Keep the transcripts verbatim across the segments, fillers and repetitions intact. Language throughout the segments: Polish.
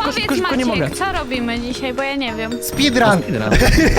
szybko, Powiedz, szybko, szybko, nie mogę. Maciek, co robimy dzisiaj, bo ja nie wiem. Speedrun! Speedrun.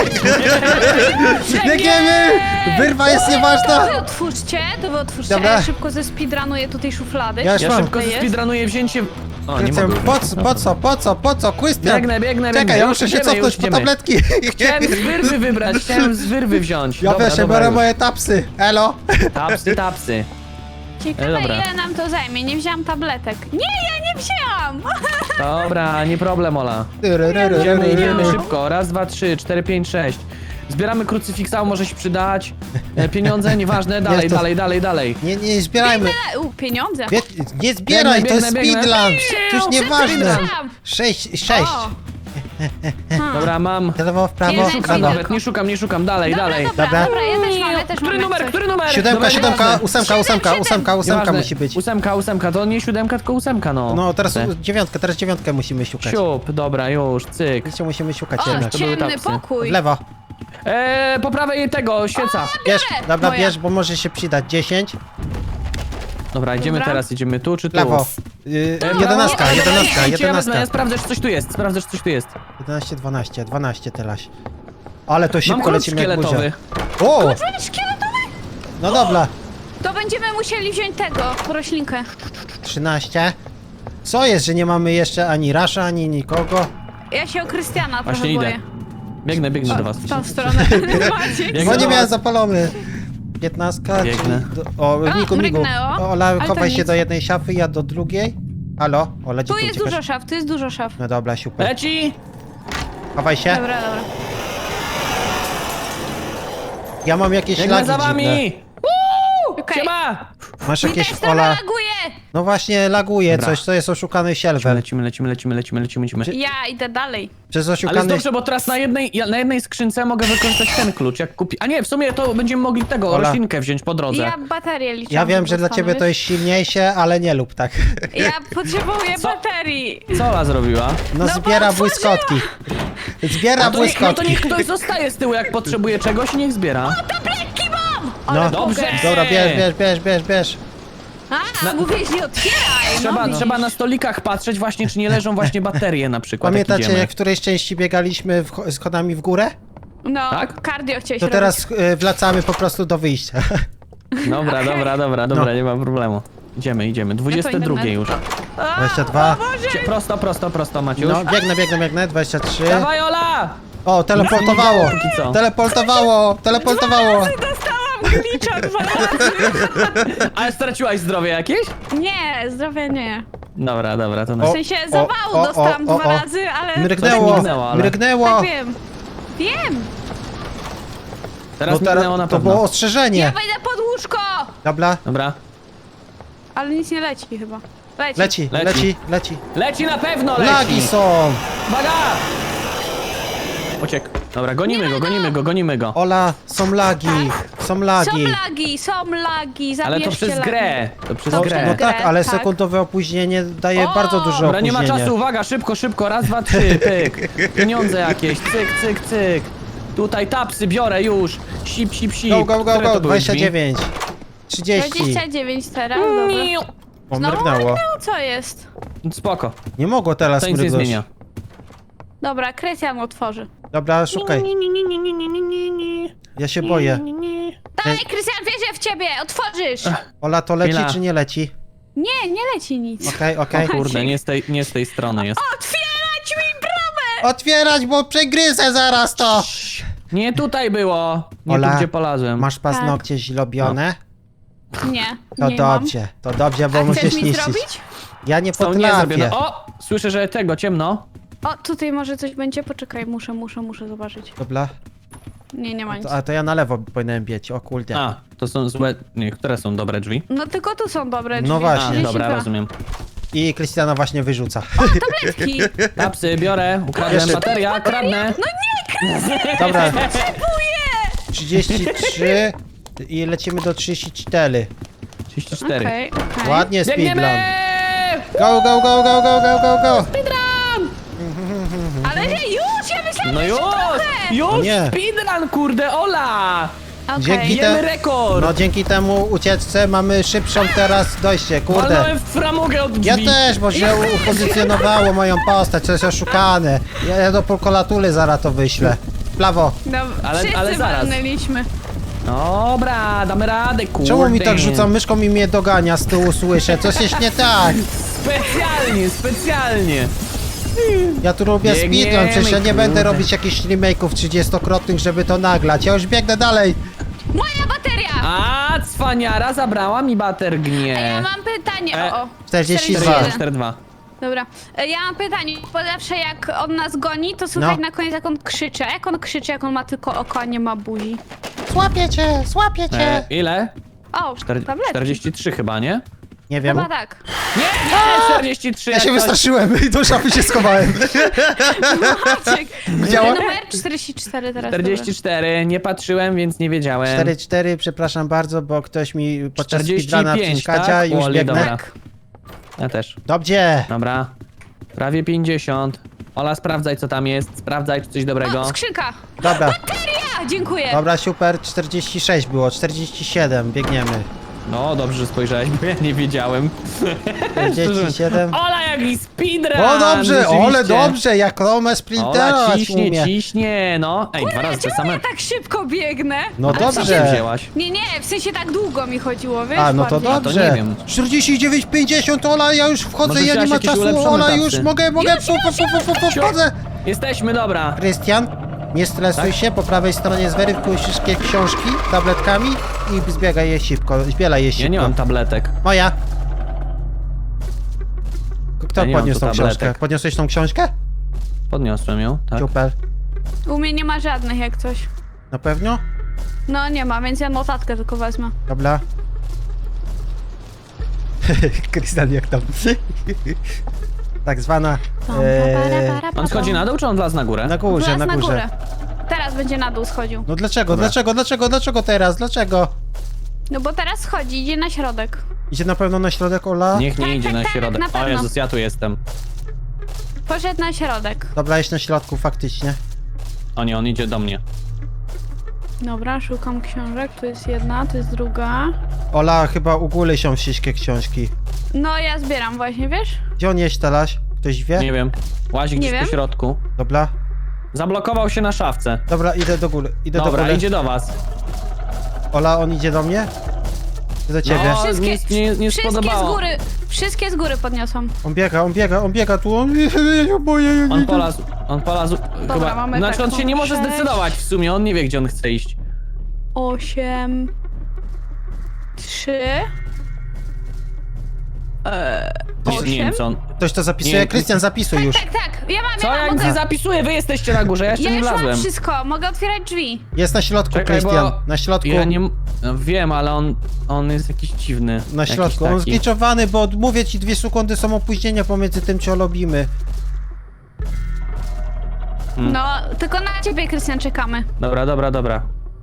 Biegniemy! Wyrwa jest To nieważna! wy otwórzcie, to wy otwórzcie, Dobra. a ja szybko zespeedrunuję tutaj szuflady. Ja już Ja mam. szybko Jest? speedrunuję wzięcie... O, nie mogę. Po co, po co, po co, po co? Krystian! Biegnę, biegnę, Czekaj, biegnę. ja Już muszę się idziemy, cofnąć już po idziemy. tabletki. Chciałem z wyrwy wybrać, chciałem z wyrwy wziąć. Ja Dobra, też, ja dobra, biorę już. moje tapsy. Elo! Tapsy, tapsy. Ciekawe, E, dobra. ile nam to zajmie. Nie wzięłam tabletek. Nie, ja nie wzięłam! Dobra, nie problem, Ola. Idziemy, idziemy szybko. Raz, dwa, trzy, cztery, pięć, sześć. Zbieramy krucyfiksa, może się przydać. E, Pieniądze, nieważne, dalej, Jest to- dalej, dalej, dalej. Nie, nie zbierajmy. U, pieniądze. Bie nie zbieraj, Biegnę, to jest biegnę, biegnę. speedrun. To już nieważne. Speedrun. Sześć, sześć. O. Dobra, mam. W lewo, w prawo, Nie w Nie szukam prawo. Jeden. nawet, nie szukam, nie szukam, dalej, Dobra, dalej. dobra, Dobra. dobra, ja też mam, ja też Który mam. numer, jak który coś. numer? Siódemka, Dobra, siódemka, nieważne. ósemka, ósemka, Siedem, ósemka, ósemka Nieważne. musi być. Ósemka, ósemka, to nie siódemka, tylko ósemka, no. No, teraz Te. dziewiątkę, teraz dziewiątkę musimy szukać. Siup, dobra, już, cyk. Wiecie, musimy szukać O, jednak. to były ciemny tapsy. pokój. W lewo. Eee, po prawej tego, świeca. Bierz, dobra, Moja. bierz, bo może się przydać. Dziesięć. Dobra, idziemy Dobra. teraz, idziemy tu czy W tu? lewo. Yy, prawo. jedenastka, Dobra, jedenastka, idźcie, ja wezmę, jedenastka. Ja sprawdzę, czy coś tu jest, sprawdzę, czy coś tu jest. jedenaście, dwanaście, dwanaście teraz. Ale to Mam szybko klucz lecimy jak szkieletowy. burza. O! Szkieletowy? No dobra. To będziemy musieli wziąć tego, roślinkę. trzynaście. Co jest, że nie mamy jeszcze ani Rasza, ani nikogo? Ja się o Krystiana trochę Właśnie idę. boję. Biegnę, biegnę do was. W tą stronę. Maciek. Biegnę Bo nie do miałem was. zapalony. piętnastka, Biegnę. czyli do, o, A, migu, migu. mrygnęło. O, Ola, Ale to chowaj się nic. do jednej szafy, ja do drugiej. Halo? Ola, gdzie Tu ty jest uciekasz? dużo szaf, tu jest dużo szaf. No dobra, super. Leci! Chowaj się. Dobra, dobra. Ja mam jakieś Biegnę lagi za dziwne. wami! Okej. Siema! Masz Mi jakieś, też trochę Ola... laguje! No właśnie, laguje Dobra. coś, to jest oszukany silver. Lecimy, lecimy, lecimy, lecimy, lecimy, lecimy. Ja idę dalej. Przez Ale jest oszukany... dobrze, bo teraz na jednej, ja- na jednej skrzynce mogę wykorzystać ten klucz, jak kupi... A nie, w sumie to będziemy mogli tego, Ola. roślinkę wziąć po drodze. Ja baterię liczę. Ja wiem, że dla ciebie to jest silniejsze, ale nie lub tak. Ja potrzebuję Co? baterii. Co Ola zrobiła? No, bo zbiera otworzyła. błyskotki. Zbiera No to, niech, no to błyskotki. niech ktoś zostaje z tyłu, jak potrzebuje czegoś i niech zbiera. Tabletki mam! No. Ale Dobrze. mogę. Dobra, bierz, bierz, bierz, bierz, bierz. A, Na- mówiłeś, nie otwieraj! Trzeba, no, trzeba na stolikach patrzeć właśnie, czy nie leżą właśnie baterie na przykład, Pamiętacie, jak idziemy. jak w którejś części biegaliśmy w, schodami w górę? No, Tak? cardio chciałeś To robić. teraz y, wracamy po prostu do wyjścia. Dobra, dobra, dobra, dobra, No. nie ma problemu. Idziemy, idziemy. dwudzieste drugie już. A, dwadzieścia dwa. O Boże! Cie- Prosto, prosto, prosto, Maciuś. No, biegnę, biegnę, biegnę. dwadzieścia trzy. Dawaj, Ola! O, teleportowało. Póki co. Teleportowało, teleportowało. Dostałam glicza dwa razy. Ale straciłaś zdrowie jakieś? Nie, zdrowia nie. Dobra, dobra, to O, na... W sensie o, zawału o, dostałam o, o, dwa o. razy, ale... Mrygnęło, mignęło, ale- mrygnęło. Tak wiem. Wiem! Teraz Bo minęło na to pewno. było Ja ostrzeżenie. wejdę pod łóżko! Dobra, Dobra. Ale nic nie leci chyba. Leci. leci, Leci. leci, leci. Leci na pewno, leci! Lagi są. Uwaga! Uciekł. Dobra, gonimy go, gonimy go, gonimy go. Ola, są lagi, są Są lagi. lagi, są lagi, zabierzcie Ale to przez lagi. grę. To przez To No, grę. no grę, tak, ale tak. sekundowe opóźnienie daje O! bardzo dużo Dobra, nie ma opóźnienie. czasu, uwaga, szybko, szybko, raz, dwa, trzy, pyk. Pieniądze jakieś, cyk, cyk, cyk. Tutaj tapsy biorę już. Sip, sip, sip. Go, go, go, Które to go, były dwadzieścia drzwi? dziewięć. trzydzieści. dwadzieścia dziewięć teraz, dobra. Miu. O, Znowu mrygnęło. mrygnęło, co jest? Spoko, Nie mogło teraz to nic nie mrygnąć. zmienia. Dobra, Krystian otworzy. Dobra, szukaj. Ni, ni, ni, ni, ni, ni, ni, ni. Ja się boję. Ni, ni, ni. Daj, Krystian, wierzę w ciebie, otworzysz! Ola, to leci Chwila. czy nie leci? Nie, nie leci nic. Okej, okej. Kurde, nie z tej, nie z tej strony jest. Otwierać mi bramę! Otwierać, bo przegryzę zaraz to! Nie tutaj było. Nie Ola, tu, gdzie polazłem. Masz paznokcie źlobione? Nie, To nie mam. dobrze, to dobrze, bo A chcesz musisz mi niszczyć. zrobić? Ja nie Są nie zrobione. potrafię. O! Słyszę, że tego, ciemno. O, tutaj może coś będzie, poczekaj, muszę, muszę, muszę zobaczyć. Dobra, Nie, nie ma nic. to, a to ja na lewo powinienem biec, o kurde. A, to są złe... Nie, które są dobre drzwi? No tylko tu są dobre drzwi. No właśnie. A, trzydzieści dobra, dwa. rozumiem. I Krystiana właśnie wyrzuca. Tabletki! Tapsy, biorę, ukradłem Jeszcze- bateria, kradnę. Dobra. trzydzieści trzy i lecimy do trzydzieści cztery. trzydzieści cztery. Okej, okej. Ładnie speedrun. Biegniemy! Go, go, go, go, go, go, go, go! Ale nie, już! Ja myślałam, No że już! jeszcze trochę! Już! Nie. Speedrun, kurde, Ola! Okej. Dzięki Bijemy te... rekord! No dzięki temu ucieczce mamy szybszą teraz dojście, kurde. Walnąłem w framugę od Ja drzwi. też, bo się upozycjonowało moją postać, to jest oszukane. Ja, ja do prokolatury zaraz to wyślę. W prawo. No, Ale- wszyscy ale zaraz. walnęliśmy. Dobra, damy radę, kurde. Czemu mi tak rzuca myszką i mnie dogania z tyłu słyszę? Coś jest nie tak. Specjalnie, specjalnie. Ja tu robię Biegniemy, speedrun, przecież ja nie będę kurde. robić jakichś remake'ów trzydziestokrotnych, żeby to naglać. Ja już biegnę dalej. Moja bateria! A, cwaniara zabrała mi batergnię. A ja mam pytanie. E, O, o. czterdzieści dwa. czterdzieści jeden. cztery dwa. Dobra. E, Ja mam pytanie, bo zawsze jak on nas goni, to słychać No. na koniec jak on krzyczy. A jak on krzyczy, jak on ma tylko oko, a nie ma buzi? Złapię cię, złapię E, cię. ile? O, Czter- tabletki. czterdzieści trzy chyba, nie? Nie wiem. Chyba tak. Nie, nie, czterdzieści trzy. Ja jak się coś. wystraszyłem i do szafy się schowałem. Maciek. Działa? Numer czterdzieści cztery teraz. czterdzieści cztery, nie patrzyłem, więc nie wiedziałem. cztery cztery, przepraszam bardzo, bo ktoś mi podczas czterdzieści speedruna pięć, przeszkadza tak? i już Oli, biegnę. dobra. Tak. Ja też. Dobrze. Dobra. Prawie pięćdziesiąt. Ola, sprawdzaj co tam jest. Sprawdzaj, czy coś dobrego. O, skrzynka. Dobra, Ja, dziękuję. dobra, super, czterdzieści sześć było, czterdzieści siedem, biegniemy. No, dobrze, że spojrzałeś, bo ja nie wiedziałem. czterdzieści siedem. Ola, jaki speedrun! O dobrze, rzeczywiście. ole dobrze, jak Rome Ola sprintera ciśnie, umie. ciśnie, no. Ej, dwa razy te Czemu same. ja tak szybko biegnę? No A co się dobrze. wzięłaś? Nie, nie, w sensie tak długo mi chodziło, wiesz? A, no to bardziej. dobrze. nie wiem. czterdzieści dziewięć pięćdziesiąt, Ola, ja już wchodzę, Może ja nie chciałaś ma jakieś czasu, ulepszone Ola, tapsy? już mogę, mogę, fu, fu, fu, fu, fu, wchodzę. Jesteśmy, dobra. Krystian, nie stresuj Tak? się, po prawej stronie zweryfikuj wszystkie książki tabletkami i zbiegaj je szybko, zbielaj je szybko. Ja nie mam tabletek. Moja. Kto Ja nie mam podniósł tu tą tabletek. książkę? Podniosłeś tą książkę? Podniosłem ją, tak? Super. U mnie nie ma żadnych jak coś. Na pewno? No nie ma, więc ja notatkę tylko wezmę. Dobra. Krystian, jak tam? Tak zwana... E, On schodzi na dół, czy on wlazł na górę? na górze, Wlazł na górze. górę. Teraz będzie na dół schodził. No dlaczego, Dobra. dlaczego, dlaczego, dlaczego teraz, dlaczego? No bo teraz schodzi, idzie na środek. Idzie na pewno na środek, Ola? Niech nie Tak, idzie tak, na tak, środek. na O pewno. Jezus, ja tu jestem. Poszedł na środek. Dobra, jest na środku, faktycznie. O nie, on idzie do mnie. Dobra, szukam książek. Tu jest jedna, tu jest druga. Ola, chyba u góry są wszystkie książki. No ja zbieram właśnie, wiesz? Gdzie on jest teraz? Ktoś wie? Nie wiem. Łazi Nie gdzieś wiem. po środku. Dobra, Zablokował się na szafce. dobra, idę do góry, idę do Dobra, góry. idzie do was. Ola, on idzie do mnie? Czy do ciebie? No. Wszystkie, nie- nie- nie wszystkie z spodobało. góry, wszystkie z góry podniosłam. On biega, on biega, on biega tu, on... Ja boję, ja nie On idę. polazł, on polazł chyba... mamy Znaczy on taką się nie może sześć. zdecydować w sumie, on nie wie gdzie on chce iść. Osiem. Trzy. Eee, Nie, nie wiem osiem? co on... Ktoś to zapisuje? Nie, Krystian, zapisuj już. Tak, tak, ja mam, Co ja ja mam, nic nie mogę... zapisuję, wy jesteście na górze, ja jeszcze Ja nie już mam wlazłem. wszystko, mogę otwierać drzwi. Jest na środku, Czekaj, bo Krystian, na środku. Ja nie... No, wiem, ale on... On jest jakiś dziwny. Na Jakiś środku, on taki. zgliczowany, bo mówię ci, dwie sekundy są opóźnienia pomiędzy tym, co robimy. Hmm. No, tylko na ciebie, Krystian, czekamy. Dobra, dobra, dobra.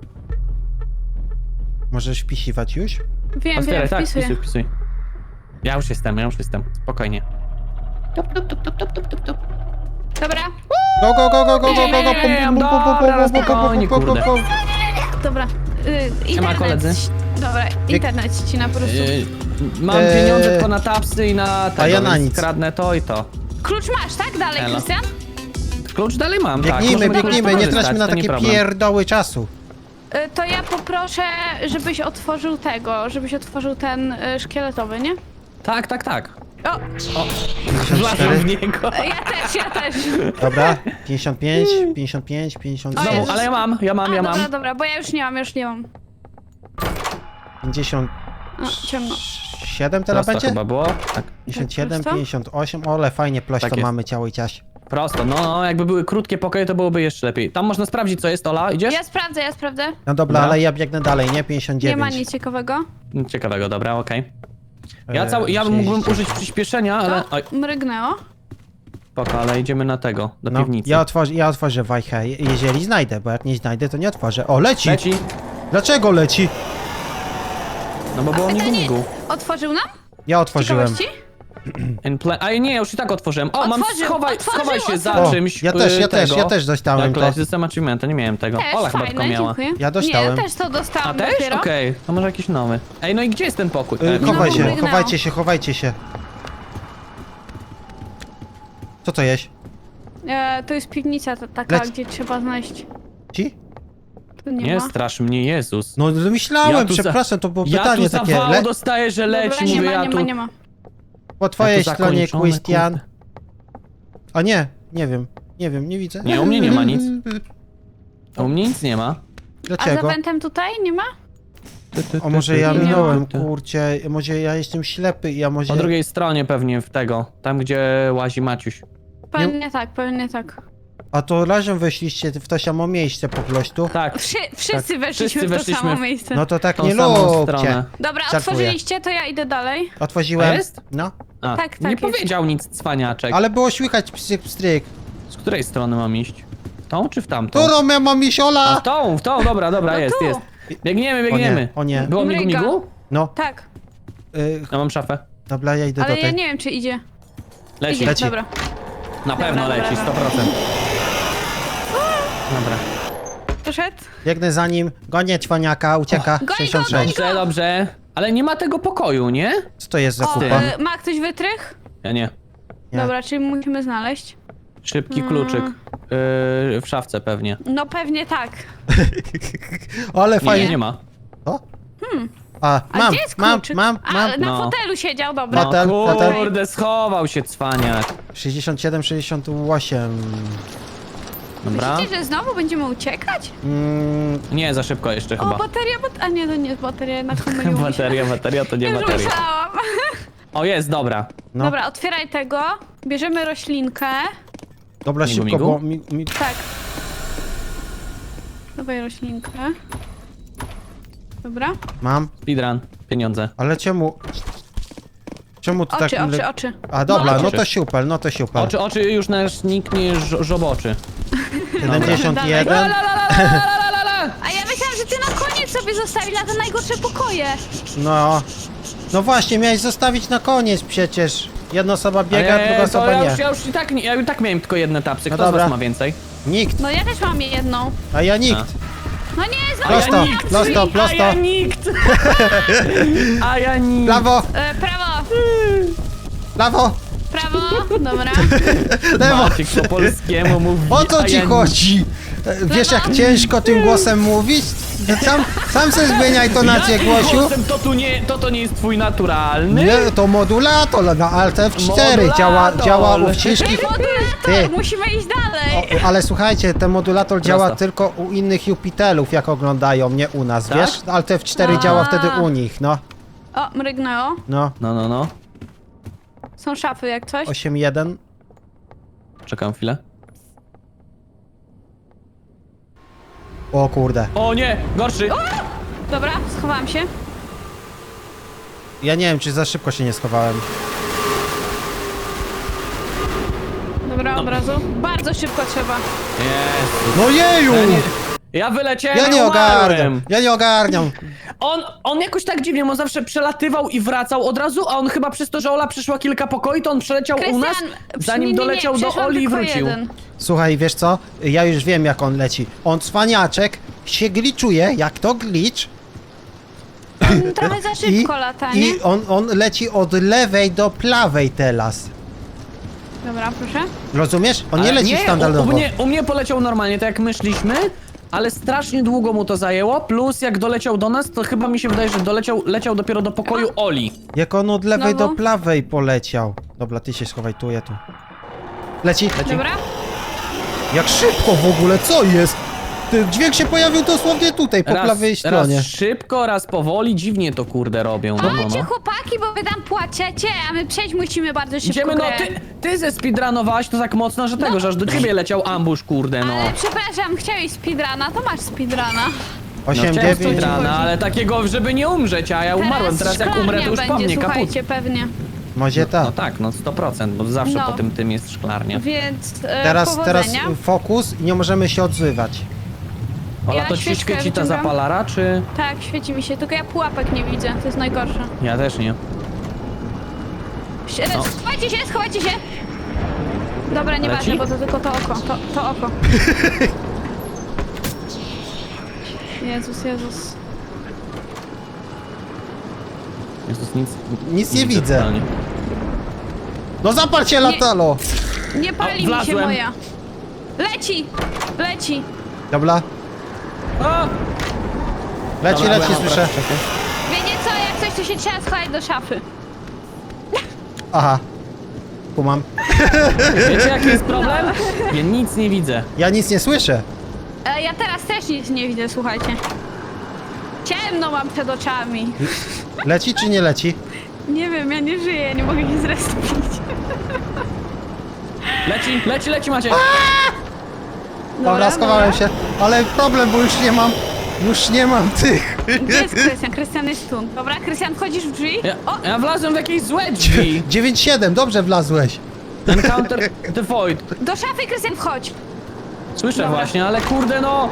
Możesz wpisiwać już? Wiem, wiem, Otwieraj, tak, wpisuję. wpisuj, wpisuj. Ja już jestem, ja już jestem. Spokojnie. Tup, tup, tup, tup, tup, tup, tup, tup. Dobra, Go, go, go, go, go, go, go, go, pum, Nie, pum, pum, pum, pum, dobra, pum, pum, spokojnie, pum, pum, kurde. pum. dobra. Y, internet. koledzy. Dobra, internet ścina po prostu. Yy, mam Eee, pieniądze tylko na tapsy i na tego, a ja na więc nic. kradnę to i to. Klucz masz, tak? Dalej, Elo. Krystian? Klucz dalej mam, tak. Biegnijmy, możemy biegnijmy, klucz nie korzystać, traćmy na to nie takie problem. pierdoły czasu. Y, to ja poproszę, żebyś otworzył tego, żebyś otworzył ten y, szkieletowy, nie? Tak, tak, tak. O, Wlazłem w niego. ja też, ja też. Dobra, pięćdziesiąt pięć, pięćdziesiąt pięć, pięćdziesiąt O Znowu, Jezus. ale ja mam, ja mam, A, ja dobra, mam. dobra, bo ja już nie mam, już nie mam. pięćdziesiąt O, ciemno. siedem teraz Prosto będzie? chyba było. Tak, pięćdziesiąt siedem, Prosto? pięćdziesiąt osiem, ole fajnie plośto Tak jest. mamy ciało i ciaś. prosto. No, no, jakby były krótkie pokoje, to byłoby jeszcze lepiej. Tam można sprawdzić, co jest, Ola, idziesz? Ja sprawdzę, ja sprawdzę. No dobra, Dobra. ale ja biegnę dalej, nie? pięćdziesiąt Nie dziewięć. ma nic ciekawego. Ciekawego, dobra, okej. Ja, Eee, cały, ja mógłbym sześćdziesiąt. użyć przyspieszenia, ale... Oj, O, mrygnęło. spoko, ale idziemy na tego, do No, piwnicy. ja otworzę, ja otworzę wajchę, je- jeżeli znajdę, bo jak nie znajdę, to nie otworzę. O, leci! Leci. Dlaczego leci? No bo było A migu pytanie, migu. otworzył nam? Ja otworzyłem. Ciekawości? In pla- A nie, ja już i tak otworzyłem. O, mam Otworzył, schowaj, otworzył, schowaj się za otworzył. O, czymś. ja też, y, ja też, tego. ja też dostałem Tak, to. system achievementa, nie miałem tego. Też Ola chyba fajne, tylko miała. dziękuję. Ja dostałem. Nie, ja też to A dostałam też? dopiero. Okej, to może jakiś nowy. Ej, no i gdzie jest ten pokój? Y, E, chowaj no, się, wygnał. chowajcie się, chowajcie się. Co to jest? E, to jest piwnica ta, taka, Lec- gdzie trzeba znaleźć. Ci? Tu nie, Nie ma. strasz mnie, Jezus. No myślałem, tu za- przepraszam, to było Ja pytanie tu takie. zawał Le... dostaję, że leci, Dobra, nie mówię, ma, ja nie tu... ma, nie ma. Po twojej Ja tu stronie, zakończone, Christian. kurde. A nie, nie wiem, nie wiem, nie widzę. Nie, u mnie nie ma nic. U mnie nic nie ma. A za Dlaczego? wentem tutaj nie ma? Ty, ty, O ty, może ty, ja ty, minąłem, ty. kurczę, może ja jestem ślepy i ja może... Po drugiej stronie pewnie w tego, tam gdzie łazi Maciuś. Pewnie tak, pewnie tak. A to razem weszliście w to samo miejsce po prostu? Tak, Wszy, wszyscy Tak, weszliśmy wszyscy w to weszliśmy samo w- miejsce. No to tak tą nie samą lubcie. stronę. Dobra, żartuję. otworzyliście, to ja idę dalej. Otworzyłem. A jest? No. A, Tak, tak nie jest. powiedział nic cwaniaczek. Ale było słychać pstryk, pstryk. Z której strony mam iść? W tą czy w tamtą? Którą ja mam iść, A Ola? w tą, w tą, dobra, dobra, No jest, tu. jest. Biegniemy, biegniemy. O nie, o nie. Było migu, Mryga. migu? No, Tak, y, Ja mam szafę. dobra, ja idę ale do ja tej. nie wiem, czy idzie. Leci. Idzie, Leci. dobra. Na pewno Dobra, leci, dobra, sto procent. Dobra. Poszedł? Biegnę za nim, gonię cwaniaka, ucieka. Goń go, sześćdziesiąt goń sześć. Dobrze, dobrze. Ale nie ma tego pokoju, nie? Co to jest za O, kupa? y, ma ktoś wytrych? Ja nie. Nie. Dobra, czyli musimy znaleźć. Szybki Mm. kluczyk. Yy, w szafce pewnie. No pewnie tak. Ale Nie, fajnie. nie ma. O? A, A mam, gdzie jest mam, kluczyk? mam, A, mam. na No. fotelu siedział, dobra. No Fotel, fotel. kurde, schował się cwaniak. sześćdziesiąt siedem, sześćdziesiąt osiem. Dobra. Myślicie, że znowu będziemy uciekać? Mm, Nie, za szybko jeszcze O, chyba. bateria, bat... A nie, to nie jest bateria, jednak pomyliłam się. Bateria, bateria to nie Już bateria. myślałam. O, jest, dobra. no. Dobra, otwieraj tego. Bierzemy roślinkę. Dobra, Migu, szybko, migu? bo mi, mi... Tak. Dawaj roślinkę. Dobra. mam. Speedrun, pieniądze. Ale czemu... Czemu to Oczy, tak... oczy, oczy. A dobra, No, no oczy. to siupel, no to siupel. Oczy, oczy już nasz nikt nie żo- żoboczy. siedemdziesiąt La, jeden. la, la, la, la, la, la, la. A ja myślałam, że ty na koniec sobie zostawisz na te najgorsze pokoje. No. No właśnie, miałeś zostawić na koniec przecież. Jedna osoba biega, Ale druga to osoba ja nie. już, ja już i tak, nie- ja i tak miałem tylko jedne tapsy. No Kto z dobra. was ma więcej? Nikt, No ja też mam jedną. a ja nikt. No nie, znowu Prosto, nie mam prosto, drzwi. prosto. A ja nikt! A ja nikt! Prawo, E, prawo, prawo, prawo, dobra. lewo. Maciek po polskiemu mówi. O co a ci ja chodzi? E, Wiesz jak ciężko tym głosem mówić? Sam, sam se zmieniaj tonację Jakim głosiu. głosem? To, tu nie, to to nie jest twój naturalny? Nie, to modulator na Alt F cztery Modulator. działa, działa u wszystkich. Ej, modulator, Ty. musimy iść dalej. O, ale słuchajcie, ten modulator działa Prosto. tylko u innych Jupiterów, jak oglądają, nie u nas, Tak? wiesz? Alt F cztery A. działa wtedy u nich, no. O, mrygnęło. No, No, no, no. Są szafy jak coś. osiem jeden. Czekam chwilę. O kurde. O nie, gorszy! Dobra, schowałam się. Ja nie wiem, czy za szybko się nie schowałem. Dobra, od razu. Bardzo szybko trzeba. Jezu. No jeju! Ja, nie, ja wyleciałem, Ja nie umarłem. ogarniam, ja nie ogarniam. On, on jakoś tak dziwnie, on zawsze przelatywał i wracał od razu, a on chyba przez to, że Ola przeszła kilka pokoi, to on przeleciał u nas, Krystian, zanim nie, nie, nie, doleciał do przeszłam Oli i tylko wrócił. jeden. Słuchaj, wiesz co? Ja już wiem, jak on leci. On cwaniaczek się gliczuje, jak to glitch. Trochę za I, szybko lata, nie? i on, on leci od lewej do prawej teraz. Dobra, proszę. Rozumiesz? On nie Ale leci u, standardowo. u, mnie, u mnie poleciał normalnie, tak jak my szliśmy, ale strasznie długo mu to zajęło, plus jak doleciał do nas, to chyba mi się wydaje, że doleciał, leciał dopiero do pokoju Oli. Jak on od lewej Znowu? do prawej poleciał. Dobra, ty się schowaj tu, ja tu. Leci. Dobra. Jak szybko w ogóle, co jest? Ty, dźwięk się pojawił dosłownie tutaj, po prawej stronie. Raz szybko, raz powoli, dziwnie to kurde robią. No, no, Chodźcie no. chłopaki, bo wy tam płaczecie, a my przejść musimy bardzo szybko Idziemy, no grę. ty, ty ze speedrunowałaś to tak mocno, że tego, że aż do ciebie leciał ambush, kurde, no. Ale przepraszam, chciałeś speedruna, to masz speedruna. No osiem chciałem dziewięć. speedruna, ale takiego, żeby nie umrzeć, a ja umarłem, teraz jak umrę, to już po będzie, mnie kaput. słuchajcie, pewnie. Może No tak. tak, no sto procent, bo zawsze No. po tym tym jest szklarnia. Więc e, Teraz, teraz powodzenia. fokus i nie możemy się odzywać. Ola, Ja to ci świeczkę świeci ta wyciągam. zapalara, czy... Tak, świeci mi się, tylko ja pułapek nie widzę, to jest najgorsze. Ja też nie. Sie- No. Schowajcie się, schowajcie się! Dobra, nieważne, Leci? bo to tylko to oko, to, to oko. Jezus, Jezus. Jezus, nic... Nic nie widzę. totalnie. No zapal się, latalo! Nie pali O, mi się wlazłem. moja. Leci! Leci! Dobra, O! leci, Dobra, leci, byłem słyszę. Wiecie co, jak coś, to się trzeba schować do szafy. Aha. Kumam. Wiecie jaki jest problem? Ja nic nie widzę. Ja nic nie słyszę. E, ja teraz też nic nie widzę, słuchajcie. Ciemno mam przed oczami. Leci czy nie leci? Nie wiem, ja nie żyję, nie mogę się zrespić. Leci, leci, leci Maciek. Dobra, schowałem się. Ale problem, bo już nie mam... Już nie mam tych. Gdzie jest Krystian? Krystian jest tu. Dobra, Krystian, wchodzisz w drzwi? Ja, O! ja wlazłem w jakieś złe drzwi. dziewięć siedem, dobrze wlazłeś. Encounter the void. Do szafy, Krystian, wchodź! Słyszę Dobra. właśnie, ale kurde no.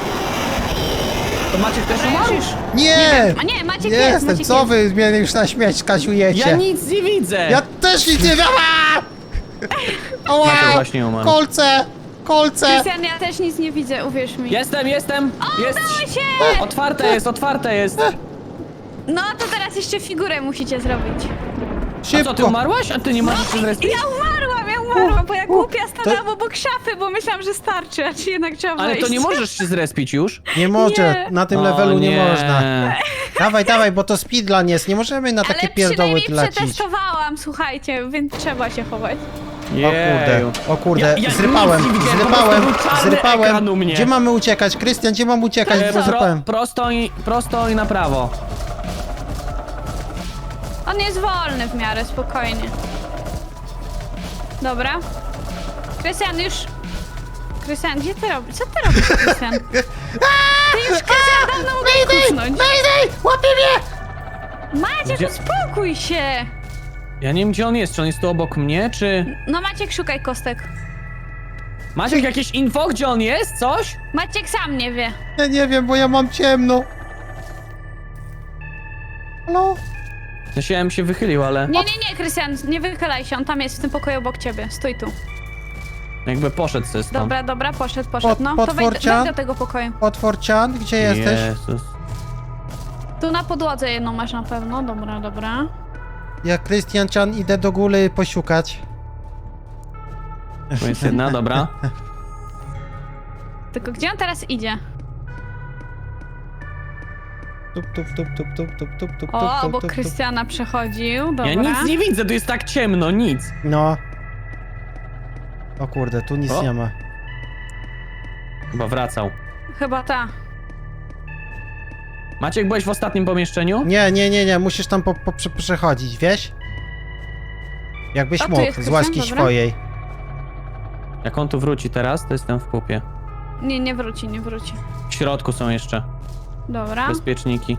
To Maciek też Dobra, umarł? już. Nie! A nie, Maciek Nie jest, jestem, Maciek co jest. wy mnie już na śmierć kasiujecie? Ja nic nie widzę. Ja też nic nie wiem! Ała! Maciek właśnie umarł. Kolce! Kolce! Krystian, ja też nic nie widzę, uwierz mi. Jestem, jestem. Jest. Udało się! Otwarte jest, otwarte jest. No to teraz jeszcze figurę musicie zrobić. A co, ty Szybko! umarłaś? A ty nie możesz się zrespić? Ja umarłam, ja umarłam, bo ja głupia stanęłam to- obok szafy, bo myślałam, że starczy, a czy jednak trzeba Ale wejść. to nie możesz się zrespić już? Nie może, Nie. na tym O, levelu nie, nie można. Dawaj, dawaj, bo to speedrun jest, nie możemy na Ale takie pierdoły przynajmniej lecieć. przetestowałam, słuchajcie, więc trzeba się chować. O kurde, Jeju. o kurde, Ja- ja zrypałem, nic nie widziałem, po zrypałem, prostu był czarny ekran zrypałem. u mnie. Gdzie mamy uciekać? Krystian, gdzie mam uciekać? E, Bo pro, zrypałem. prosto, i, prosto i na prawo. On jest wolny w miarę, spokojnie. Dobra. Krystian, już... Krystian, gdzie ty robisz? Co ty robisz, Krystian? Ty już, Krystian, dawno mogłeś kucnąć. Mayday! Łapie mnie! Maciek, Gdzie- uspokój się! Ja nie wiem gdzie on jest, czy on jest tu obok mnie, czy... No Maciek, szukaj kostek. Maciek, jakieś info, gdzie on jest? Coś? Maciek sam nie wie. Ja nie wiem, bo ja mam ciemno. Halo? W sensie ja bym się wychylił, ale Nie, nie, nie, Krystian, nie wychylaj się, on tam jest w tym pokoju obok ciebie. Stój tu. jakby poszedł ze stąd. Dobra, dobra, poszedł, poszedł. Pod- No, to wejdź, potworcia? wejdź do tego pokoju. Otworcian, gdzie jesteś? Jezus. Tu na podłodze jedną masz na pewno, dobra, dobra. Ja, Krystiancian, idę do góry posiukać. Tu jest jedna, dobra. Tylko gdzie on teraz idzie? Tup, tup, tup, tup, tup, tup, tup, tup, O, tup, obok tup, tup. Krystiana przechodził, dobra. Ja nic nie widzę, tu jest tak ciemno, nic. No. O kurde, tu nic O. nie ma. Chyba wracał. Chyba ta. Maciek, byłeś w ostatnim pomieszczeniu? Nie, nie, nie, nie, musisz tam po, po, prze- przechodzić, wiesz? Jakbyś O, tu mógł, jest z Krystian, łaski dobra. swojej. Jak on tu wróci teraz, to jestem w pupie. Nie, nie wróci, nie wróci. W środku są jeszcze Dobra. bezpieczniki.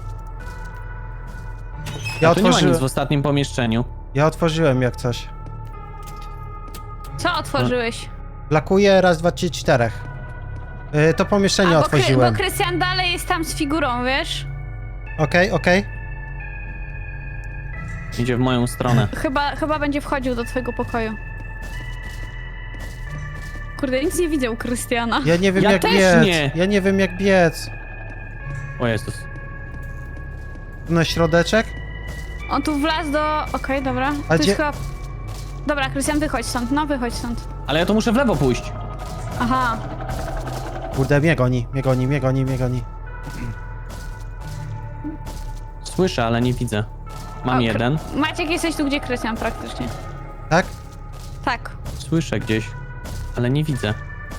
Ja A tu nie ma nic otworzyłem, w ostatnim pomieszczeniu. ja otworzyłem jak coś. Co otworzyłeś? Lakuję raz, dwa, trzy, czterech. Yy, to pomieszczenie A, bo, Kry- otworzyłem. bo Krystian dalej jest tam z figurą, wiesz? Okej, okej. Idzie w moją stronę. Chyba, chyba będzie wchodził do twojego pokoju. Kurde, nic nie widzę u Krystiana. Ja nie wiem Ja jak też biec. nie. Ja nie wiem jak biec. O Jezus. Na środeczek? On tu wlazł do... Okej, dobra. A Tu gdzie- jest chyba... Dobra, Krystian, wychodź stąd, no wychodź stąd. Ale ja to muszę w lewo pójść. Aha. Kurde, mnie goni, mnie goni, mnie goni, mnie goni. Słyszę, ale nie widzę. Mam O, Kry- jeden. Maciek, jesteś tu, gdzie Krystian praktycznie. Tak? Tak. Słyszę gdzieś, ale nie widzę.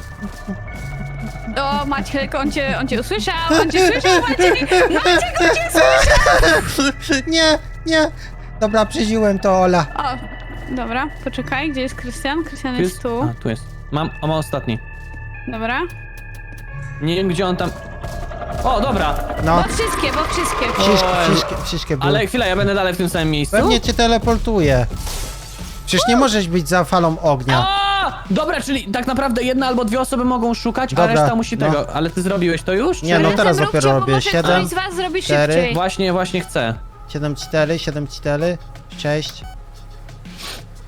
O, Maciek, on cię, on cię usłyszał, on cię słyszał, Maciek! Maciek, on cię słyszał! Nie, nie. Dobra, przyziłem to, Ola. O, dobra, poczekaj, gdzie jest Krystian? Krystian Tu jest tu. A, tu jest. Mam, o, mam ostatni. Dobra. Nie wiem gdzie on tam... O, dobra. No, Bo wszystkie, bo wszystkie. wszystkie, Oj. wszystkie, wszystkie były. Ale chwila, ja będę dalej w tym samym miejscu? Pewnie cię teleportuje. Przecież nie możesz być za falą ognia. A! Dobra, czyli tak naprawdę jedna albo dwie osoby mogą szukać, Dobra, a reszta musi no. tego. Ale ty zrobiłeś to już? Nie, czy- no Razem teraz róbcie, dopiero bo robię. może Siedem, ktoś z was zrobi cztery. szybciej. Właśnie, właśnie chcę. siedem, cztery, siedem, cztery, sześć,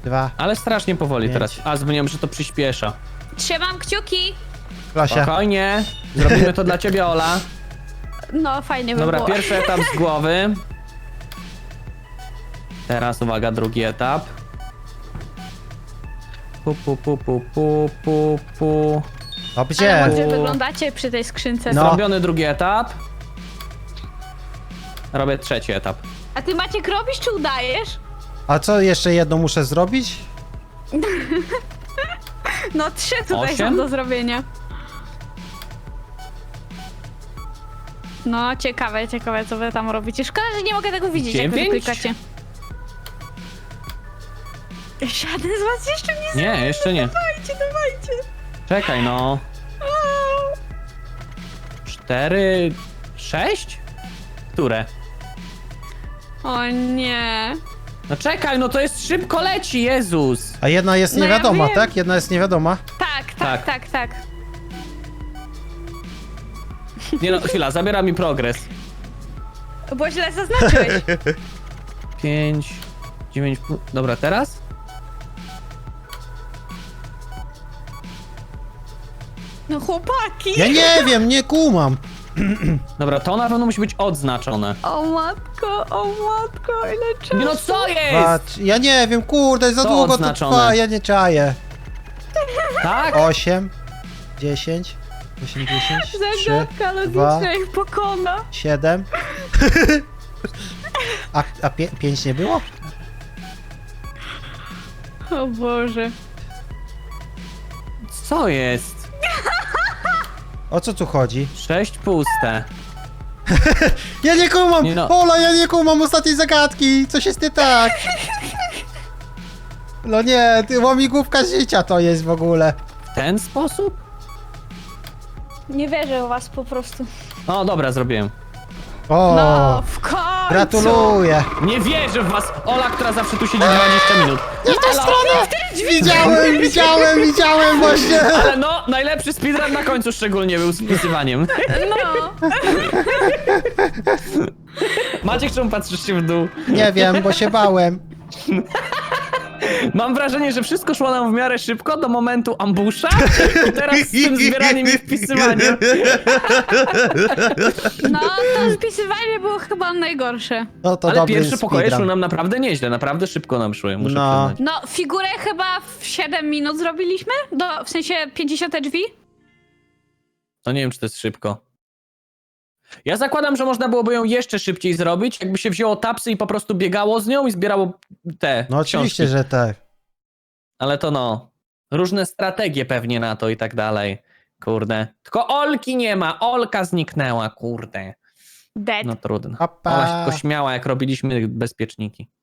dwa. Ale strasznie powoli Pięć. teraz. A, zmieniam, że to przyspiesza. Trzymam kciuki. Klasia. Spokojnie. Zrobimy to dla ciebie, Ola. No, fajnie by Dobra, było. pierwszy etap z głowy. Teraz uwaga, drugi etap. Pu, pu, pu, pu, pu, pu, pu. O, Ale gdzie? ładnie wyglądacie przy tej skrzynce. No. Zrobiony drugi etap. Robię trzeci etap. A ty Maciek robisz czy udajesz? A co, jeszcze jedno muszę zrobić? No trzy tutaj Osiem? są do zrobienia. No, ciekawe, ciekawe co wy tam robicie. Szkoda, że nie mogę tego widzieć, jak wy Dziewięć? klikacie. Żaden z was jeszcze nie Nie, jeszcze nie. Dawajcie, dawajcie. Czekaj, no. Cztery... Sześć? Które? O nie. No czekaj, no to jest szybko leci, Jezus. A jedna jest No ja niewiadoma, wiem. tak? Jedna jest niewiadoma. Tak, Tak. tak, tak, tak. Nie no, chwila, zabiera mi progres. Bo źle zaznaczyłeś. Pięć... Dziewięć... pół- Dobra, teraz? No chłopaki. Ja nie wiem, nie kumam. Dobra, to na pewno musi być odznaczone. O matko, o matko, ile czasu. Nie no, co jest? Patrz, ja nie wiem, kurde, za To długo odznaczone. to trwa, ja nie czaję. Tak? Osiem, dziesięć, osiemdziesiąt, trzy, Zagadka dwa, logiczna ich pokona. siedem. A, a pię pięć nie było? O Boże. Co jest? O co tu chodzi? Sześć puste. Ja nie kumam! Nie no. Ola, ja nie kumam ostatniej zagadki! Coś jest nie tak! No nie, ty łamigłówka życia to jest w ogóle. W ten sposób? Nie wierzę w was po prostu. O, dobra, zrobiłem. O, No, w końcu! gratuluję! Nie wierzę w was! Ola, która zawsze tu siedzi dwadzieścia minut. Nie w tę stronę! Widziałem, widziałem, widziałem właśnie! Ale no, najlepszy speedrun na końcu szczególnie był z wpisywaniem. No, Maciek, czemu patrzysz się w dół? Nie wiem, bo się bałem. Mam wrażenie, że wszystko szło nam w miarę szybko do momentu ambusza i teraz z tym zbieraniem i wpisywaniem. no to spisywanie było chyba najgorsze. No to Ale dobry pierwsze pokoje speedrun. szły nam naprawdę nieźle, naprawdę szybko nam szły, muszę No. przyznać. No, figurę chyba w siedem minut zrobiliśmy? Do, w sensie pięćdziesiąt drzwi? To nie wiem, czy to jest szybko. Ja zakładam, że można byłoby ją jeszcze szybciej zrobić, jakby się wzięło tapsy i po prostu biegało z nią i zbierało te No oczywiście, książki. że tak. Ale to no, różne strategie pewnie na to i tak dalej. Kurde. Tylko Olki nie ma, Olka zniknęła, kurde. Dead. No trudno. Papa. Ola się tylko śmiała, jak robiliśmy bezpieczniki.